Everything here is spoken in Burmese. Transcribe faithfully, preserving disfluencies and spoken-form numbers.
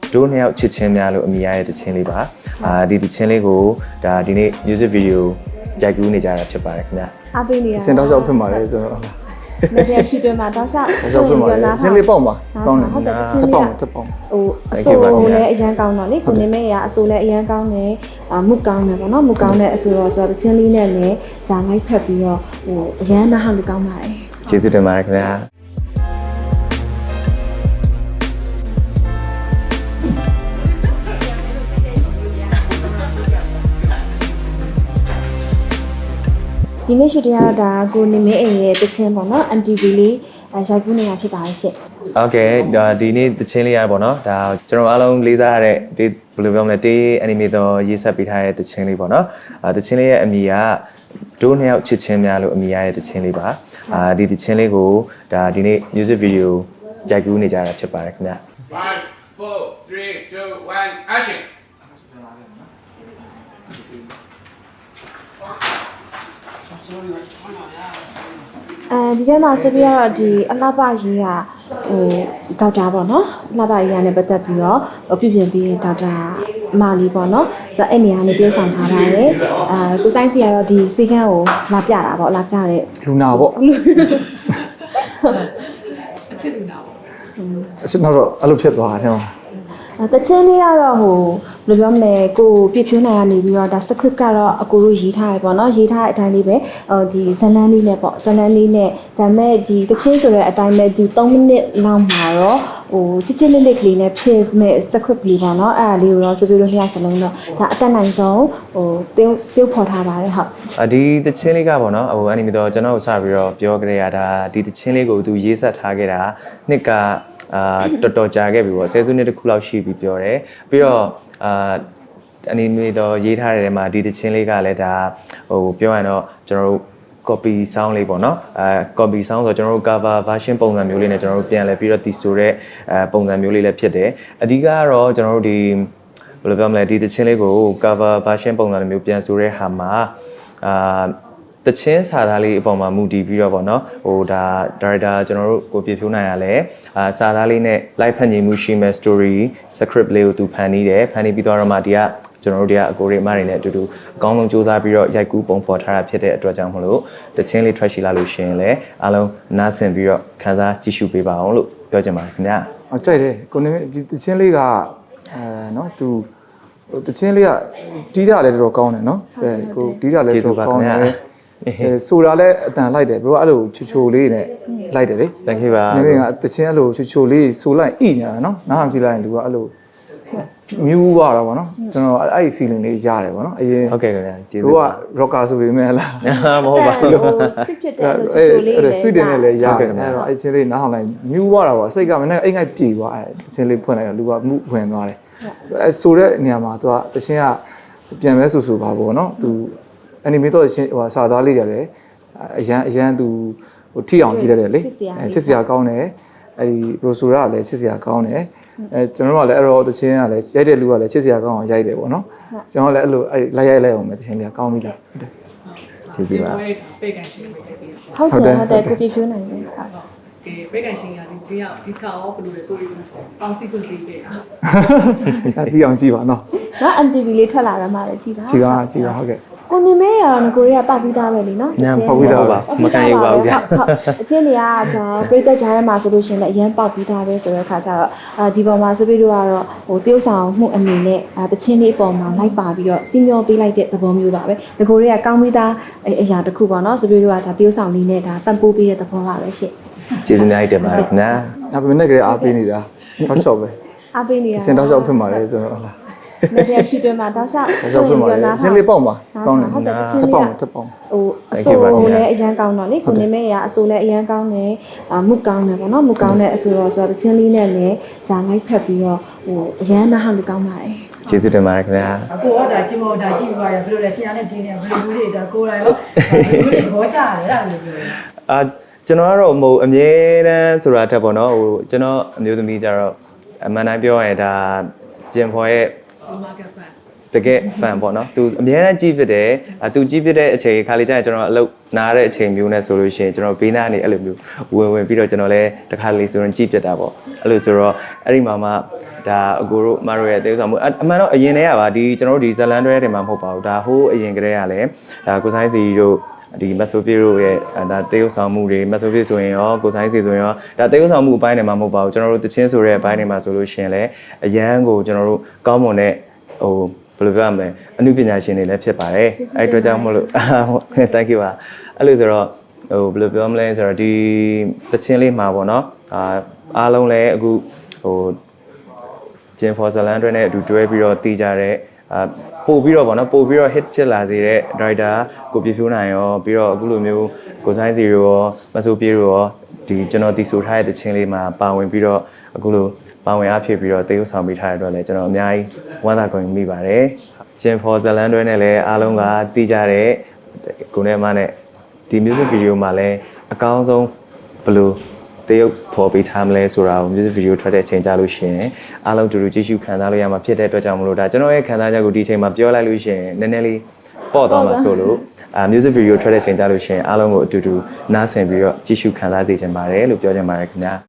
တို့နှစ်ယောက်ချစ်ချင်းများလို့အမိရတဲ့တခြင်းလေးပါအာဒီတခြင်းလေးကိုဒါဒီနေ့ music video ရိုက်ကူးနေကြတာဖြစ်ပါတယ်ခင်ဗျအားပေးနေရစင်တောက်လျှောက်ဖြစ်ပါတယ်ဆိုတော့နေပြရှိတွင်မှာတောက်လျှောက်တောက်လျှောက်ဖြစ်ပါတယ်စင်လေးပေါက်ပါကောင်းတယ်ဟုတ်တယ်တခြင်းတစ်လေးပေါက်တစ်ပေါက်ဟိုအဆိုလည်းအရန်ကောင်းတော့လေကိုနေမဲရအဆိုလည်းအရန်ကောင်းတယ်အာမုကောင်းတယ်ပေါ့နော်မုကောင်းတဲ့အဆိုတော့ဆိုတော့တခြင်းလေးနဲ့လည်းဇာလိုက်ဖက်ပြီးတော့ဟိုအရန်နားဟလူကောင်းပါတယ်ကျေးဇူးတင်ပါတယ်ခင်ဗျာဒီနေ့ရှိတရားတော့ဒါကိုနေမဲအိမ်ရဲ့တခြင်းပေါ့နော် M T V လေးရိုက်ကူးနေတာဖြစ်ပါတယ်ရှင့်โอเคဒါဒီနေ့တခြင်းလေးရပေါ့နော်ဒါကျွန်တော်အားလုံးလေးစားရတဲ့ဒီဘယ်လိုပြောမလဲတေး anime တော့ရေးဆက်ပေးထားတဲ့တခြင်းလေးပေါ့နော်အာတခြင်းလေးရဲ့အမည်ကတို့နှစ်ယောက်ချစ်ချင်းများလို့အမည်ရတဲ့တခြင်းလေးပါအာဒီတခြင်းလေးကိုဒါဒီနေ့ music video ရိုက်ကူးနေကြတာဖြစ်ပါတယ်ခင်ဗျ five four three two one action အဲဒီထဲမှာဆိုပြီးတော့ဒီအလှပရေးကဟိုဒေါက်တာပေါ့နော်အလှပရေးကလည်းပတ်သက်ပြီးတော့ပြုပြင်ပြီးဒေါက်တာအမလေးပေါ့နော်ဆိုတော့အဲ့နေရာနဲ့ပြောဆောင်ထားပါတယ်အာကိုဆိုင်စီကတော့ဒီစေကန်းကိုလာပြတာပေါ့လာပြတဲ့လူနာပေါ့အစ်စ်လူနာပေါ့အစ်စ်တော့အဲ့လိုဖြစ်သွားတာထဲမှာတချင်းလေးကတော့ဟိုဘယ်လိုပြောမလဲကိုပြဖြိုးနိုင်ရနေပြီးတော့ဒါ script ကတော့အကိုတို့ရေးထားရပေါ့နော်ရေးထားတဲ့အတိုင်းလေးပဲဟိုဒီဇလန်းလေးနဲ့ပေါ့ဇလန်းလေးနဲ့ဒါမဲ့ဒီတချင်းဆိုတဲ့အတိုင်းပဲဒီသုံးမိနစ်လောက်မှာတော့ဟိုတချင်းလေးလေးကလေးနဲ့ဖြစ်မဲ့ script လေးပေါ့နော်အဲ့ဒါလေးကိုတော့ဆိုပြီးတော့နှစ်ယောက်စလုံးတော့ဒါအတက်နိုင်ဆုံးဟိုတင်းတင်းဖော်ထားပါတယ်ဟုတ်အဒီတချင်းလေးကပေါ့နော်ဟိုအဲ့ဒီမျိုးတော့ကျွန်တော်တို့စပြီးတော့ပြောကြရတာဒီတချင်းလေးကိုသူရေးဆက်ထားခဲ့တာနှစ်ကအာတော်တော်ကြာခဲ့ပြီပေါ့ဆယ်စုနှစ်တစ်ခုလောက်ရှိပြီပြောတယ်ပြီးတော့အာအနီမေတော့ရေးထားတဲ့နေရာမှာဒီတခြင်းလေးကလည်းဒါဟိုပြောရရင်တော့ကျွန်တော်တို့ copy sound လေးပေါ့နော်အဲ copy sound ဆိုတော့ကျွန်တော်တို့ cover version ပုံစံမျိုးလေးနဲ့ကျွန်တော်တို့ပြန်လဲပြီးတော့ဒီဆိုတဲ့အဲပုံစံမျိုးလေးလည်းဖြစ်တယ်အဓိကကတော့ကျွန်တော်တို့ဒီဘယ်လိုပြောမလဲဒီတခြင်းလေးကို cover version ပုံစံမျိုးပြန်ဆိုတဲ့ဟာမှာအာတချင်းစာသားလေးအပေါ်မှာမူတည်ပြီးတော့ဗောနော်ဟိုဒါဒါရိုက်တာကျွန်တော်တို့ကိုပြဖြိုးနိုင်ရလဲအာစာသားလေးနဲ့ live ဖန်ညီမှုရှိမဲ့ story script လေးကိုသူဖန်နေတယ်ဖန်နေပြီးတော့မှဒီကကျွန်တော်တို့ဒီကအကိုရိမတွေနဲ့အတူတူအကောင်းဆုံးစူးစမ်းပြီးတော့ရိုက်ကူးပုံဖော်ထားတာဖြစ်တဲ့အတွက်ကြောင့်မလို့တချင်းလေး track ရှိလာလို့ရှိရင်လည်းအားလုံးနားဆင်ပြီးတော့ခန်းစားကြည့်ရှုပေးပါအောင်လို့ပြောချင်ပါတယ်ခင်ဗျာဟုတ်ကြိုက်တယ်ကိုနေဒီတချင်းလေးကအဲနော်သူတချင်းလေးကတီးတာလည်းတော်တော်ကောင်းတယ်နော်အဲကိုတီးတာလည်းတော်တော်ကောင်းတယ်အဲဆိုတာလဲအတန်လိုက်တယ်ဘရိုအဲ့လိုချိုချိုလေးနဲ့လိုက်တယ်လေ thank you ပါနေကတချင်းအဲ့လိုချိုချိုလေးဆိုလိုက်ဣညာနော်နားဟမ်ကြည့်လိုက်ရင်လူကအဲ့လိုမြူးသွားတာပေါ့နော်ကျွန်တော်အဲ့ဒီ feeling လေးရတယ်ပေါ့နော်အရင်ဟုတ်ကဲ့ခင်ဗျာကျေးဇူးတို့က rocker ဆိုပေမဲ့လားမဟုတ်ပါဘူးစစ်ဖြစ်တယ်လို့ချိုချိုလေးလေ sweet နဲ့လည်းရတယ်အဲ့တော့အဲ့ချင်းလေးနားဟောင်းလိုက်မြူးသွားတာပေါ့စိတ်ကမနေ့အိမ်ငိုက်ပြေသွားအဲ့ချင်းလေးဖွင့်လိုက်တော့လူကမှုဝင်သွားတယ်အဲ့ဆိုတဲ့နေရာမှာသူကတချင်းကပြန်မဲဆူဆူပါပေါ့နော်သူanime တော့ချင်းဟိုစာသားလေးရတယ်အရန်အရန်သူဟိုထိအောင်ကြည့်ရတယ်လေအဲချစ်စရာကောင်းတယ်အဲဒီ brochure ကလည်းချစ်စရာကောင်းတယ်အဲကျွန်တော်တို့ကလည်းအဲ့တော့တချင်းကလည်းရိုက်တဲ့လူကလည်းချစ်စရာကောင်းအောင်ရိုက်တယ်ပေါ့နော်ကျွန်တော်လည်းအဲ့လိုအဲလိုက်ရိုက်လိုက်အောင်ပဲတချင်းလေးကောင်းပြီလားဟုတ်တယ်ကျေးဇူးပါပိတ်ကန်ရှင်းပေးတယ်ဟုတ်တယ်ဟုတ်တယ်ကိုပြဖြိုးနိုင်တယ်ဟုတ်ကဲပိတ်ကန်ရှင်းကဒီဒီရောက်ဒီကာရောဘယ်လိုလဲဆိုရင်ပေါင်းစီကွန်စီပေးတာအဲဒီအောင်ကြည့်ပါနော်နော် M T V လေးထွက်လာတာမှလည်းကြည့်တာကြည့်ပါကြည့်ပါဟုတ်ကဲ့ကိုနေမဲရောငကိုရီးယားပောက်ပြီးသားပဲလीနော်ညံပောက်ပြီးသားပါမကန်ရပါဘူးဗျဟုတ်အချင်းတွေကဒါပြိသက်ကြားထဲမှာဆိုလို့ရှိရင်လည်းအရင်ပောက်ပြီးသားပဲဆိုတဲ့အခါကျတော့အာဒီပေါ်မှာဆိုပြီးတော့ကတော့ဟိုတယောက်ဆောင်မှုအနေနဲ့အာတချင်းလေးအပေါ်မှာလိုက်ပါပြီးတော့စီမျောပေးလိုက်တဲ့သဘောမျိုးပါပဲငကိုရီးယားကောင်းပြီးသားအရာတစ်ခုပေါ့နော်ဆိုပြီးတော့ကဒါတယောက်ဆောင်လေးနဲ့ဒါပံ့ပိုးပေးတဲ့သဘောပါပဲရှင့်ကျေးဇူးများတင်ပါတယ်ခင်ဗျာဒါပေမဲ့လည်းအားပေးနေတာဟော့ရှော့ပဲအားပေးနေတာစင်တောက်လျှောက်ဖြစ်ပါတယ်ဆိုတော့ဟုတ်လားနေပြရှိတွင်မှာတောက်လျှောက်တောက်လျှောက်ဖြစ်ပါတယ်စင်လေးပေါက်ပါကောင်းတယ်ဟုတ်တယ်ချင်းလေးတစ်ပေါက်တစ်ပေါက်ဟိုအဆိုလည်းအရန်ကောင်းတော့လေကိုနေမဲရအဆိုလည်းအရန်ကောင်းတယ်အာမုကောင်းတယ်ပေါ့နော်မုကောင်းတဲ့အဆိုတော့ဆိုတော့ချင်းလေးနဲ့လည်းဇာလိုက်ဖက်ပြီးတော့ဟိုအရန်နားဟလူကောင်းပါတယ်ကျေးဇူးတင်ပါတယ်ခင်ဗျာကိုကဒါကြည့်မောဒါကြည့်ပြီးပါတယ်ဘယ်လိုလဲဆရာနဲ့တင်းနေဘယ်လိုမျိုးတွေဒါကိုယ်တိုင်ရောဘယ်လိုတွေသဘောကျတယ်အဲ့ဒါလိုပြောအာကျွန်တော်ကတော့ဟိုအမြဲတမ်းဆိုတာတက်ပေါ့နော်ဟိုကျွန်တော်အမျိုးသမီးကြတော့အမှန်တိုင်းပြောရရင်ဒါဂျင်ဖော်ရဲ့တကယ် fan ပေါ့နော်သူအများအားကြည့်ဖြစ်တယ်အဲသူကြည့်ဖြစ်တဲ့အချိန်ခါလေးကျရင်ကျွန်တော်အလုပ်နားတဲ့အချိန်မျိုးနဲ့ဆိုလို့ရှိရင်ကျွန်တော်ဘေးနားနေအဲ့လိုမျိုးဝင်ဝင်ပြီးတော့ကျွန်တော်လည်းတစ်ခါလေးဆိုရင်ကြည့်ဖြစ်တာပေါ့အဲ့လိုဆိုတော့အဲ့ဒီမှာမှဒါအကိုတို့မတို့ရဲ့တေးဥဆောင်မှုအမှန်တော့အရင်တည်းကပါဒီကျွန်တော်တို့ဒီဇလန်တွဲတွေမှာမဟုတ်ပါဘူးဒါဟိုးအရင်ကတည်းကလည်းဒါကိုဆိုင်စီတို့ဒီမက်ဆိုဖီတို့ရဲ့ဒါတေးဥဆောင်မှုတွေမက်ဆိုဖီဆိုရင်ရောကိုဆိုင်စီဆိုရင်ရောဒါတေးဥဆောင်မှုအပိုင်းတွေမှာမဟုတ်ပါဘူးကျွန်တော်တို့တချင်းဆိုတဲ့အပိုင်းတွေမှာဆိုလို့ရှိရင်လည်းအရန်ကိုကျွန်တော်တို့ကောင်းမွန်တဲ့ဟိုဘယ်လိုပြောရမလဲအမှုပညာရှင်တွေလည်းဖြစ်ပါတယ်အဲ့အတွက်ကြောင့်မလို့ thank you ပါအဲ့လိုဆိုတော့ဟိုဘယ်လိုပြောမလဲဆိုတော့ဒီတချင်းလေးမှာပေါ့နော်အာအားလုံးလည်းအခုဟိုဂျင်ဖော်ဇလန်တွေနဲ့အတူတွဲပြီးတော့တည်ကြတဲ့အာပို့ပြီးတော့ဗောနော်ပို့ပြီးတော့ hit ဖြစ်လာစေတဲ့ driver ကိုပြဖြိုးနိုင်ရောပြီးတော့အခုလိုမျိုးကိုဆိုင်စီရောမဆိုပြေရောဒီကျွန်တော်တီဆိုထားတဲ့တခြင်းလေးမှာပါဝင်ပြီးတော့အခုလိုပါဝင်အဖြစ်ပြီးတော့တေးဥဆောင်ပေးထားတဲ့အတွက်လည်းကျွန်တော်အများကြီးဝမ်းသာကုန်မိပါတယ်ဂျင်ဖော်ဇလန်တွေနဲ့လည်းအားလုံးကတည်ကြတဲ့ကိုနဲ့မနဲ့ဒီ music video မှာလည်းအကောင်းဆုံးဘယ်လိုတရုပ်ဖော်ပေးထားမလဲဆိုတာကို music video ထွက်တဲ့အချိန်ကြလို့ရှိရင်အားလုံးတူတူကြည့်ရှုခံစားလို့ရမှာဖြစ်တဲ့အတွက်ကြောင့်မလို့ဒါကျွန်တော်ရဲ့ခံစားချက်ကိုဒီအချိန်မှာပြောလိုက်လို့ရှိရင်နည်းနည်းလေးပေါ့သွားမှာဆိုလို့အာ music video ထွက်တဲ့အချိန်ကြလို့ရှိရင်အားလုံးကိုအတူတူနားဆင်ပြီးတော့ကြည့်ရှုခံစားစေချင်ပါတယ်လို့ပြောချင်ပါတယ်ခင်ဗျာ